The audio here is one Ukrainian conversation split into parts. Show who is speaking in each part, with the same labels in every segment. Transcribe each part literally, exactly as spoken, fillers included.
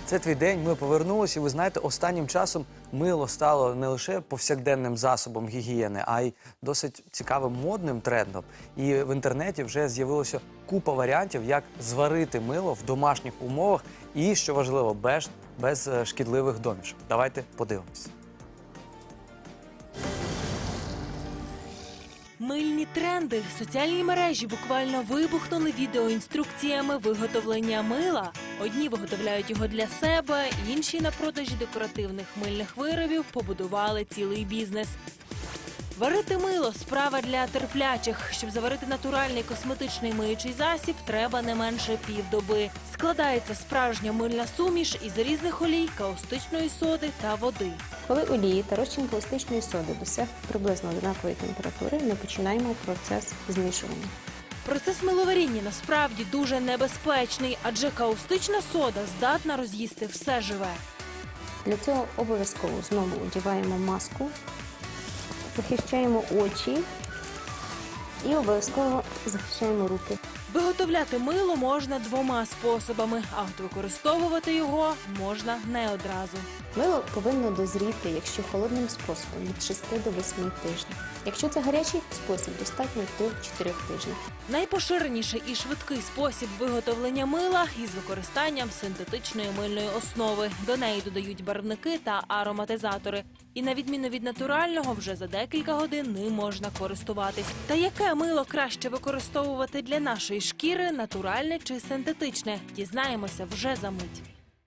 Speaker 1: Це твій день, ми повернулися, і ви знаєте, останнім часом мило стало не лише повсякденним засобом гігієни, а й досить цікавим модним трендом. І в інтернеті вже з'явилося купа варіантів, як зварити мило в домашніх умовах і, що важливо, без, без е, шкідливих домішок. Давайте подивимося.
Speaker 2: Мильні тренди. Соціальні мережі буквально вибухнули відеоінструкціями виготовлення мила. Одні виготовляють його для себе, інші на продажі декоративних мильних виробів побудували цілий бізнес. Варити мило – справа для терплячих. Щоб заварити натуральний косметичний миючий засіб, треба не менше півдоби. Складається справжня мильна суміш із різних олій, каустичної соди та води.
Speaker 3: Коли олії та розчин каустичної соди досяг приблизно однакової температури, ми починаємо процес змішування.
Speaker 2: Процес миловаріння насправді дуже небезпечний, адже каустична сода здатна роз'їсти все живе.
Speaker 3: Для цього обов'язково знову одягаємо маску, захищаємо очі і обов'язково захищаємо руки.
Speaker 2: Виготовляти мило можна двома способами, а от використовувати його можна не одразу.
Speaker 3: Мило повинно дозріти, якщо холодним способом, від шести до восьми тижнів. Якщо це гарячий спосіб, достатньо до чотирьох тижнів.
Speaker 2: Найпоширеніший і швидкий спосіб виготовлення мила із використанням синтетичної мильної основи. До неї додають барвники та ароматизатори. І на відміну від натурального, вже за декілька годин ним можна користуватись. Та яке мило краще використовувати для нашої шкіри, натуральне чи синтетичне? Дізнаємося вже за мить.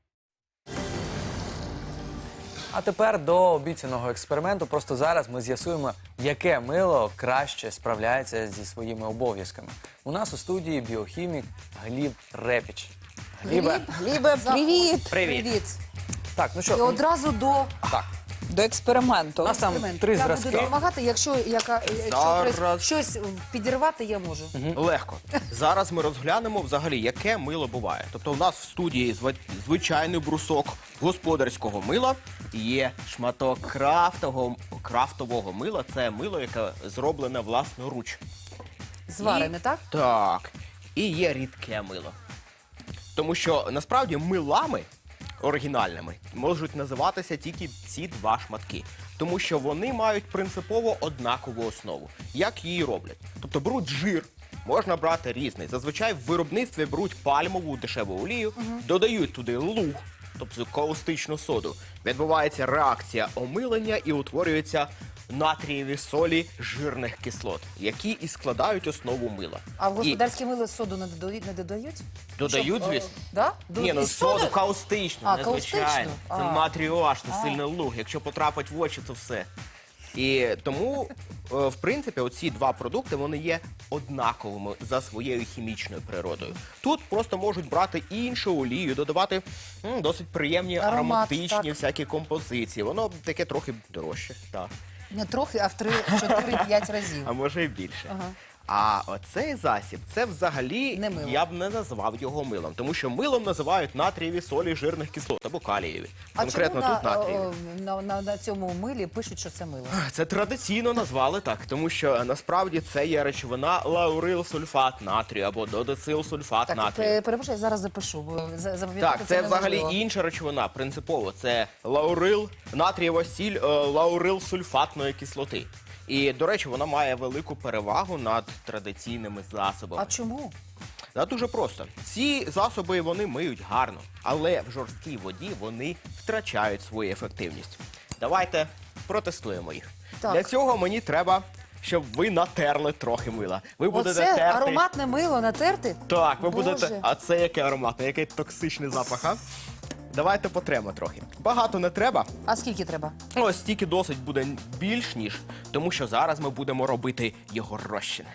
Speaker 1: А тепер до обіцяного експерименту. Просто зараз ми з'ясуємо, яке мило краще справляється зі своїми обов'язками. У нас у студії біохімік Гліб Репіч. Глібе,
Speaker 4: Глібе, привіт!
Speaker 1: Привіт. Так, ну
Speaker 4: І
Speaker 1: що,
Speaker 4: одразу до
Speaker 1: так,
Speaker 4: До експерименту.
Speaker 1: у нас там
Speaker 4: експерименту.
Speaker 1: три
Speaker 4: Я
Speaker 1: зразки.
Speaker 4: буду допомагати, якщо, яка, якщо
Speaker 5: Зараз.
Speaker 4: щось підірвати, я можу.
Speaker 5: Легко. Зараз ми розглянемо взагалі, яке мило буває. Тобто у нас в студії зва- звичайний брусок господарського мила, і є шматок крафтового, крафтового мила. Це мило, яке зроблене власноруч.
Speaker 4: Зварене,
Speaker 5: І-
Speaker 4: так?
Speaker 5: Так. І є рідке мило. Тому що насправді милами оригінальними можуть називатися тільки ці два шматки. Тому що вони мають принципово однакову основу. Як її роблять? Тобто беруть жир, можна брати різний. Зазвичай в виробництві беруть пальмову дешеву олію, додають туди луг, тобто каустичну соду. Відбувається реакція омилення і утворюються натрієві солі жирних кислот, які і складають основу мила.
Speaker 4: А в
Speaker 5: І
Speaker 4: господарське мило соду не додають? Не додають?
Speaker 5: додають,
Speaker 4: Щоб, е,
Speaker 5: звісно.
Speaker 4: Да?
Speaker 5: Ні, ну
Speaker 4: Із
Speaker 5: соду
Speaker 4: соди?
Speaker 5: каустичну,
Speaker 4: А,
Speaker 5: незвичайно.
Speaker 4: каустичну?
Speaker 5: Це
Speaker 4: А.
Speaker 5: натрію аж, це
Speaker 4: А.
Speaker 5: сильний луг. Якщо потрапить в очі, то все. І тому, е, в принципі, оці два продукти, вони є однаковими за своєю хімічною природою. Тут просто можуть брати іншу олію, додавати м, досить приємні
Speaker 4: Аромат,
Speaker 5: ароматичні
Speaker 4: так.
Speaker 5: всякі композиції. Воно таке трохи дорожче, так.
Speaker 4: Не трохи, а в три-чотири-п'ять разів.
Speaker 5: А може і більше.
Speaker 4: Ага.
Speaker 5: А оцей засіб, це взагалі,
Speaker 4: Не мило.
Speaker 5: я б не назвав його милом, тому що милом називають натрієві солі жирних кислот або калієві.
Speaker 4: А
Speaker 5: Конкретно
Speaker 4: чому
Speaker 5: тут
Speaker 4: на,
Speaker 5: натрієві.
Speaker 4: о, на, на, на цьому милі пишуть, що це мило?
Speaker 5: Це традиційно назвали так, тому що насправді це є речовина лаурилсульфат натрію або додецилсульфат
Speaker 4: Так,
Speaker 5: натрію.
Speaker 4: пе- перепрошую, я зараз запишу, бо за- запам'ятати
Speaker 5: Так, це взагалі
Speaker 4: неможливо.
Speaker 5: інша речовина, принципово. Це лаурил, натрієва сіль е, лаурилсульфатної кислоти. І, до речі, вона має велику перевагу над традиційними засобами.
Speaker 4: А чому?
Speaker 5: Та дуже просто. Ці засоби вони миють гарно, але в жорсткій воді вони втрачають свою ефективність. Давайте протестуємо їх.
Speaker 4: Так.
Speaker 5: Для цього мені треба, щоб ви натерли трохи мила. Ви будете
Speaker 4: Оце
Speaker 5: терти.
Speaker 4: ароматне мило натерти?
Speaker 5: Так, ви
Speaker 4: Боже.
Speaker 5: будете. А це яке ароматне, який токсичний запах, а? Давайте потремо трохи. Багато не треба.
Speaker 4: А скільки треба?
Speaker 5: Ось стільки досить буде більш ніж, тому що зараз ми будемо робити його розчини.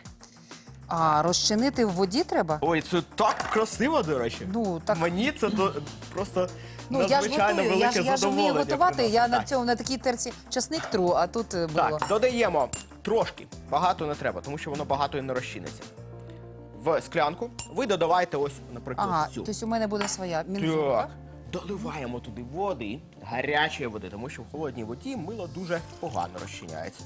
Speaker 4: А, розчинити в воді треба?
Speaker 5: Ой, це так красиво, до речі.
Speaker 4: Ну, так-
Speaker 5: Мені це до... просто
Speaker 4: Ну, я ж
Speaker 5: надзвичайно
Speaker 4: готую,
Speaker 5: велике
Speaker 4: я ж, я ж
Speaker 5: задоволення.
Speaker 4: вмію готувати,
Speaker 5: приносить.
Speaker 4: я на
Speaker 5: Так.
Speaker 4: цьому, на такій терці часник тру, а тут е, було.
Speaker 5: Так, додаємо трошки, багато не треба, тому що воно багато і не розчиниться. В склянку ви додавайте ось, наприклад,
Speaker 4: Ага,
Speaker 5: цю.
Speaker 4: тобто у мене буде своя мінзура.
Speaker 5: Так. Доливаємо туди води, гарячої води, тому що в холодній воді мило дуже погано розчиняється.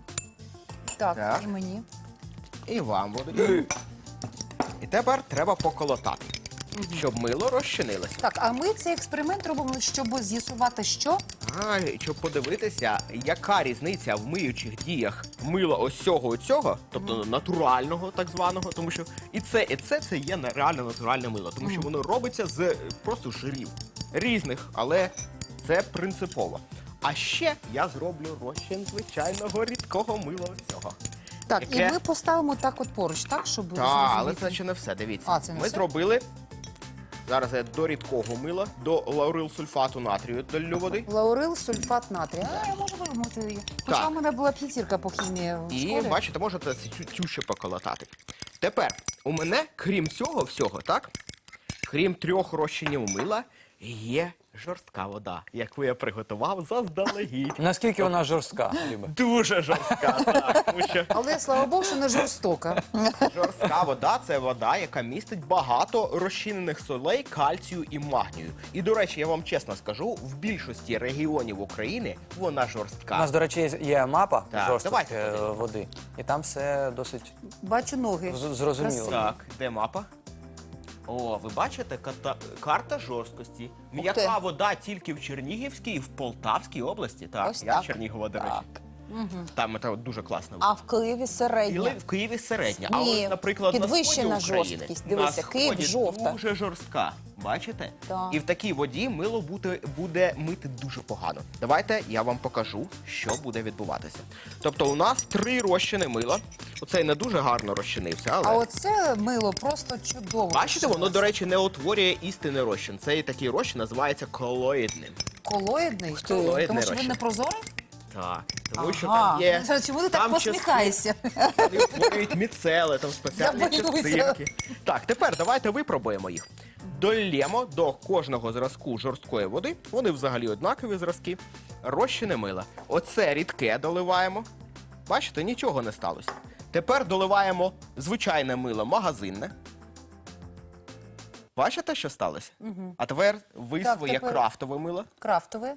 Speaker 4: Так,
Speaker 5: Так.
Speaker 4: і мені.
Speaker 5: І вам води. І тепер треба поколотати. щоб мило розчинилося.
Speaker 4: Так, а ми цей експеримент робимо, щоб з'ясувати, що?
Speaker 5: А, щоб подивитися, яка різниця в миючих діях мила ось цього і цього, тобто натурального так званого, тому що і це, і це, це є на- реально натуральне мило, тому що воно робиться з е, просто жирів різних, але це принципово. А ще я зроблю розчин звичайного рідкого мила ось цього.
Speaker 4: Так,
Speaker 5: Яке?
Speaker 4: і ми поставимо так от поруч, так, щоб
Speaker 5: Так, але
Speaker 4: зрозуміти.
Speaker 5: це ще не все, дивіться.
Speaker 4: А, це не
Speaker 5: Ми
Speaker 4: все?
Speaker 5: зробили, зараз я до рідкого мила, до лаурилсульфату натрію долю води.
Speaker 4: Лаурил, сульфат натрію. А, я можу вимити її. Хоча
Speaker 5: Так.
Speaker 4: у мене була п'ятірка по хімії в
Speaker 5: І
Speaker 4: школі.
Speaker 5: бачите, можете цю, цю ще поколотати. Тепер у мене, крім цього всього, так? Крім трьох розчинів мила, є жорстка вода, яку я приготував заздалегідь.
Speaker 1: Наскільки вона жорстка, Люба?
Speaker 5: Дуже жорстка, так. Тому що
Speaker 4: Але, слава Богу, що не жорстока.
Speaker 5: жорстка вода це вода, яка містить багато розчинених солей, кальцію і магнію. І, до речі, я вам чесно скажу, в більшості регіонів України вона
Speaker 1: У
Speaker 5: жорстка.
Speaker 1: нас, до речі, є мапа
Speaker 5: Так,
Speaker 1: жорсткої
Speaker 5: давайте
Speaker 1: е,
Speaker 5: подивимось.
Speaker 1: води. І там все досить
Speaker 4: Бачу ноги.
Speaker 1: з- зрозуміло.
Speaker 5: Так, де мапа? О, ви бачите, ката- карта жорсткості. М'яка вода тільки в Чернігівській і в Полтавській області. Так,
Speaker 6: Ось
Speaker 5: я
Speaker 6: так.
Speaker 5: з Чернігова, до речі. Там це от дуже класно.
Speaker 6: А в Києві
Speaker 5: І
Speaker 6: середня.
Speaker 5: в Києві середня. А
Speaker 6: Ні,
Speaker 5: ось, наприклад,
Speaker 6: підвищена
Speaker 5: на сході України,
Speaker 6: жорсткість. Дивися,
Speaker 5: на
Speaker 6: Київ
Speaker 5: сході
Speaker 6: жовта.
Speaker 5: дуже жорстка. Бачите?
Speaker 6: Так.
Speaker 5: І в такій воді мило буде, буде мити дуже погано. Давайте я вам покажу, що буде відбуватися. Тобто у нас три розчини мила. Оцей не дуже гарно розчинився, але...
Speaker 4: А оце мило просто чудово.
Speaker 5: Бачите, воно, до речі, не утворює істинний розчин. Цей такий розчин називається колоїдним.
Speaker 4: Колоїдний?
Speaker 5: Колоїдний
Speaker 4: Тому що він
Speaker 5: розчин.
Speaker 4: не прозорий?
Speaker 5: Так, тому що
Speaker 4: Ага.
Speaker 5: там є...
Speaker 4: Чому ти так
Speaker 5: там
Speaker 4: посміхаєшся?
Speaker 5: Вони утворюють міцели, там спеціальні
Speaker 4: Я боюся.
Speaker 5: частинки. Так, тепер давайте випробуємо їх. Долємо до кожного зразку жорсткої води, вони взагалі однакові зразки, розчини мила. Оце рідке доливаємо. Бачите, нічого не сталося. Тепер доливаємо звичайне мило магазинне. Бачите, що сталося? А тепер ви
Speaker 4: Так,
Speaker 5: своє
Speaker 4: тепер-
Speaker 5: крафтове мило.
Speaker 4: Крафтове.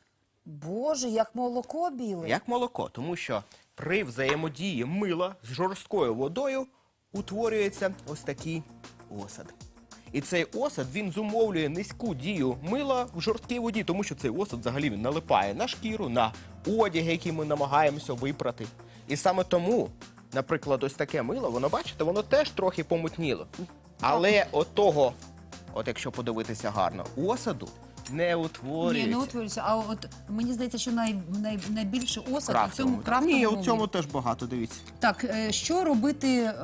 Speaker 4: Боже, як молоко біле.
Speaker 5: Як молоко, тому що при взаємодії мила з жорсткою водою утворюється ось такий осад. І цей осад, він зумовлює низьку дію мила в жорсткій воді, тому що цей осад взагалі він налипає на шкіру, на одяг, який ми намагаємося випрати. І саме тому, наприклад, ось таке мило, воно, бачите, воно теж трохи помутніло. Але от того, от якщо подивитися гарно, осаду не утворюється.
Speaker 4: Ні, не утворюється. А от мені здається, що най, най, найбільше осад у цьому
Speaker 5: Крафтовому.
Speaker 4: крафтовому.
Speaker 5: Ні, у цьому теж багато, дивіться.
Speaker 4: Так, е, що робити, е,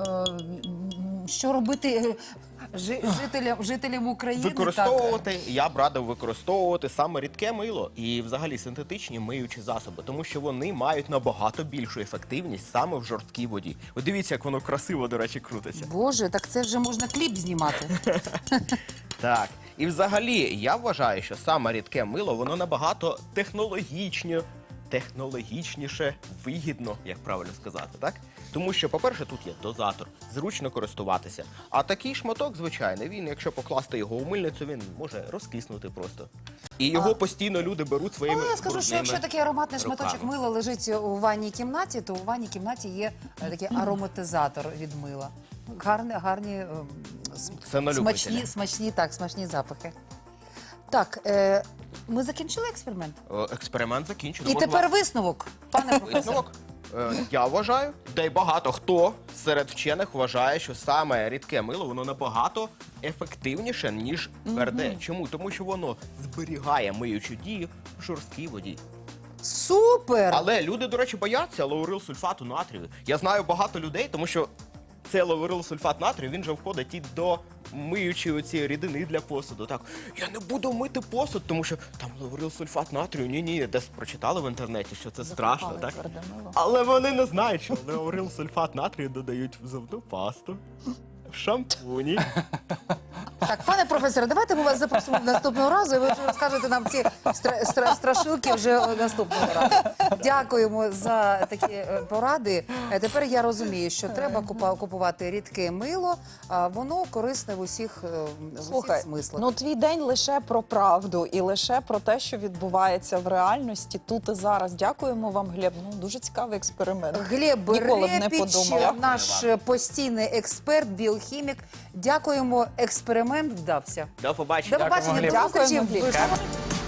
Speaker 4: м, що робити е, жи- жителям, жителям України?
Speaker 5: Використовувати, я б радив використовувати саме рідке мило і взагалі синтетичні миючі засоби, тому що вони мають набагато більшу ефективність саме в жорсткій воді. Ви дивіться, як воно красиво, до речі, крутиться.
Speaker 4: Так. Боже, так це вже можна кліп знімати.
Speaker 5: Так. І взагалі, я вважаю, що саме рідке мило, воно набагато технологічні, технологічніше, вигідно, як правильно сказати, так? Тому що, по-перше, тут є дозатор, зручно користуватися. А такий шматок, звичайно, він, якщо покласти його у мильницю, він може розкиснути просто. І його постійно люди беруть своїми
Speaker 4: Але я скажу, що якщо
Speaker 5: брудними
Speaker 4: такий ароматний шматочок
Speaker 5: руками.
Speaker 4: мила лежить у ванній кімнаті, то у ванній кімнаті є е, такий ароматизатор від мила. Гарні, гарні ем, с-
Speaker 5: Це на
Speaker 4: смачні,
Speaker 5: любителя.
Speaker 4: смачні, так, смачні запахи. Так, е, ми закінчили експеримент?
Speaker 5: Е, Експеримент закінчено.
Speaker 4: І
Speaker 5: От
Speaker 4: тепер
Speaker 5: вам
Speaker 4: висновок, пане професор.
Speaker 5: висновок. Е, Я вважаю, та й багато хто серед вчених вважає, що саме рідке мило, воно набагато ефективніше, ніж тверде. Чому? Тому що воно зберігає миючу дію в жорсткій воді.
Speaker 4: Супер!
Speaker 5: Але люди, до речі, бояться лаурилсульфату натрію. Я знаю багато людей, тому що цей лаурилсульфат натрію, він же входить і до миючої оці рідини для посуду. Так, я не буду мити посуд, тому що там лаурилсульфат натрію. Ні-ні, десь прочитали в інтернеті, що це страшно,
Speaker 6: Закопали
Speaker 5: так?
Speaker 6: тверде мило.
Speaker 5: Але вони не знають, що лаурилсульфат натрію додають в зубну пасту, в шампуні.
Speaker 4: Так, пане професоре, давайте ми вас запросимо наступного разу, і ви вже розкажете нам ці стра- стра- страшилки вже наступного разу. Дякуємо за такі е, поради. Е, Тепер я розумію, що треба купа- купувати рідке мило, а воно корисне в усіх, е, в усіх
Speaker 6: Слухай,
Speaker 4: смислах.
Speaker 6: ну твій день лише про правду і лише про те, що відбувається в реальності тут і зараз. Дякуємо вам, Глеб. Ну дуже цікавий експеримент.
Speaker 4: Глеб
Speaker 6: Ніколи б не
Speaker 4: Репіч,
Speaker 6: подумала.
Speaker 4: наш постійний експерт, біохімік. Дякуємо. Експеримент експеримент вдався.
Speaker 5: До побачення.
Speaker 4: До побачення, до
Speaker 6: Дякуємо,
Speaker 4: зустрічі.
Speaker 6: Гліб.
Speaker 4: в-